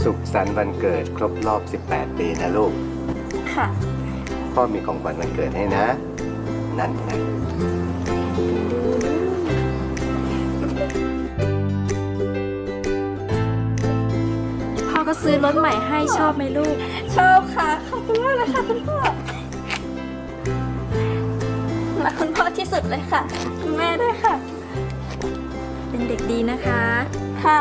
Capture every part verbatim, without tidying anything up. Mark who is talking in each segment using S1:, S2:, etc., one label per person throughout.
S1: สุขสันต์วันเกิดครบรอบสิบแปดปีนะลูก
S2: ค่ะ
S1: พ่อมีของขวัญวันเกิดให้นะนั่นนะ
S2: พ่อก็ซื้อรถใหม่ให้ชอบไหมลูกชอบค่ะขอบคุณมากเลยค่ะคุณพ่อรักคุณพ่อที่สุดเลยค่ะคุณแม่ด้วยค่ะเป็นเด็กดีนะคะค่ะ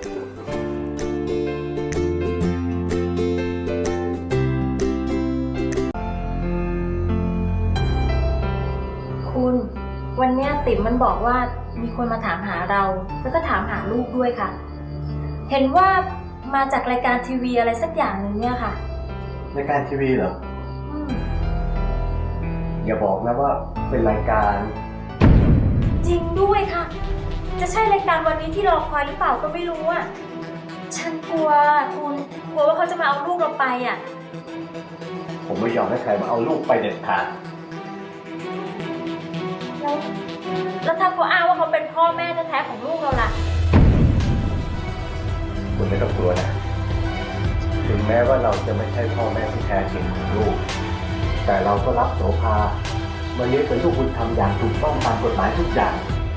S3: คุณวันนี้ติ๋มมันบอกว่ามีคนมาถามหาเราแล้วก็ถามหาลูกด้วยค่ะเห็นว่ามาจากรายการทีวีอะไรสักอย่างหนึ่งเนี่ยค่ะ
S1: รายการทีวีเหรอ
S3: อืม
S1: อย่าบอกนะว่าเป็นรายการ
S3: จริงด้วยค่ะจะใช่รายการวันนี้ที่รอคอยหรือเปล่าก็ไม่รู้อ่ะฉันกลัวคุณกลัวว่าเขาจะมาเอาลูกเราไปอ่ะ
S1: ผมไม่ยอมให้ใครมาเอาลูกไปเด็ดขาด
S3: แล้วแล้วถ้าเขาอ้างว่าเขาเป็นพ่อแม่แท้ๆของลูกเราล่ะ
S1: คุณไม่ต้องกลัวนะถึงแม้ว่าเราจะไม่ใช่พ่อแม่ที่แท้จริงของลูกแต่เราก็รับโสภามาเลี้ยงเป็นลูกบุญธรรมอย่างถูกต้องตามกฎหมายทุกอย่าง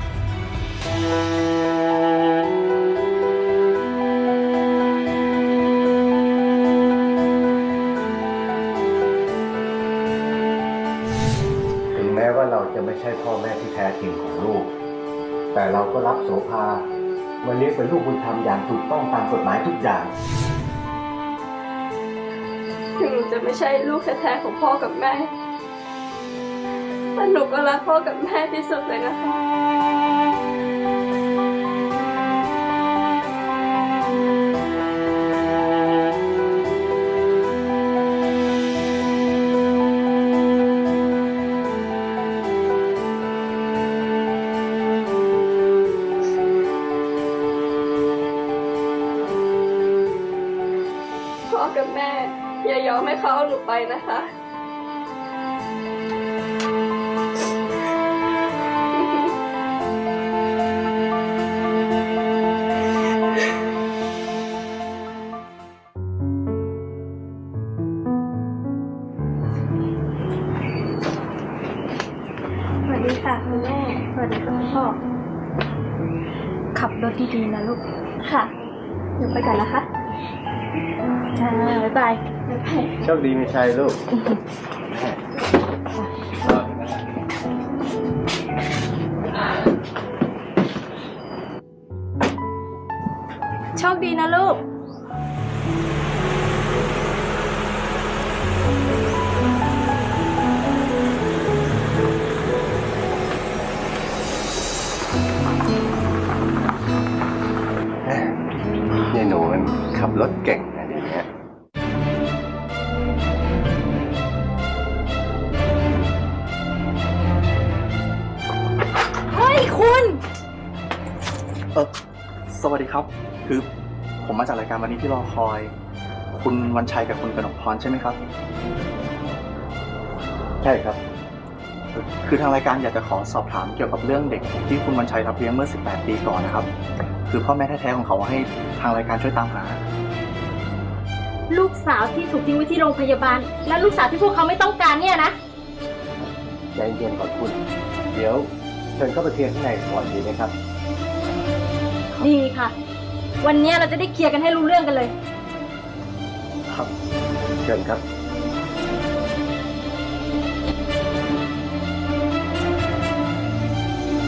S1: ถึงแม้ว่าเราจะไม่ใช่พ่อแม่ที่แท้จริงของลูกแต่เราก็รับโสภามาเลี้ยงเป็นลูกบุญธรรมอย่างถูกต้องตามกฎหมายทุกอย่าง
S2: ถึงหนูจะไม่ใช่ลูกแท้ๆของพ่อกับแม่แต่หนูก็รักพ่อกับแม่ที่สุดเลยนะคะพ่อกับแม่อย่ายอมให้เขาเอาหนูไปนะคะสวัสดีค่ะคุณแม่สวัสดีค่ะคุณพ่อขับรถดีๆนะลูกค่ะหนูไปก่อนนะคะค่ะบ๊ายบายบ๊ายบาย
S1: โชคดีมีชัยลูก
S2: โชคดีนะลูก
S1: นี่หนูมันขับรถเก่งนะเดี๋ยวนี้
S2: เฮ้ยคุณ
S4: เออสวัสดีครับคือผมมาจากรายการวันนี้ที่รอคอยคุณวันชัยกับคุณกนกพรใช่ไหมครับ
S1: ใช่ครับ
S4: คือทางรายการอยากจะขอสอบถามเกี่ยวกับเรื่องเด็กที่คุณวันชัยรับเลี้ยงเมื่อสิบแปดปีก่อนนะครับคือพ่อแม่แท้ๆของเขาให้ทางรายการช่วยตามหา
S3: ลูกสาวที่ถูกทิ้งไว้ที่โรงพยาบาลและลูกสาวที่พวกเขาไม่ต้องการเนี่ยนะ
S1: ใจเย็นก่อนคุณเดี๋ยวเชิญเข้าไปเคลียร์ข้างในก่อนดีไหมครับ
S3: ดีค่ะวันนี้เราจะได้เคลียร์กันให้รู้เรื่องกันเลย
S4: ครับ
S1: เชิญครับ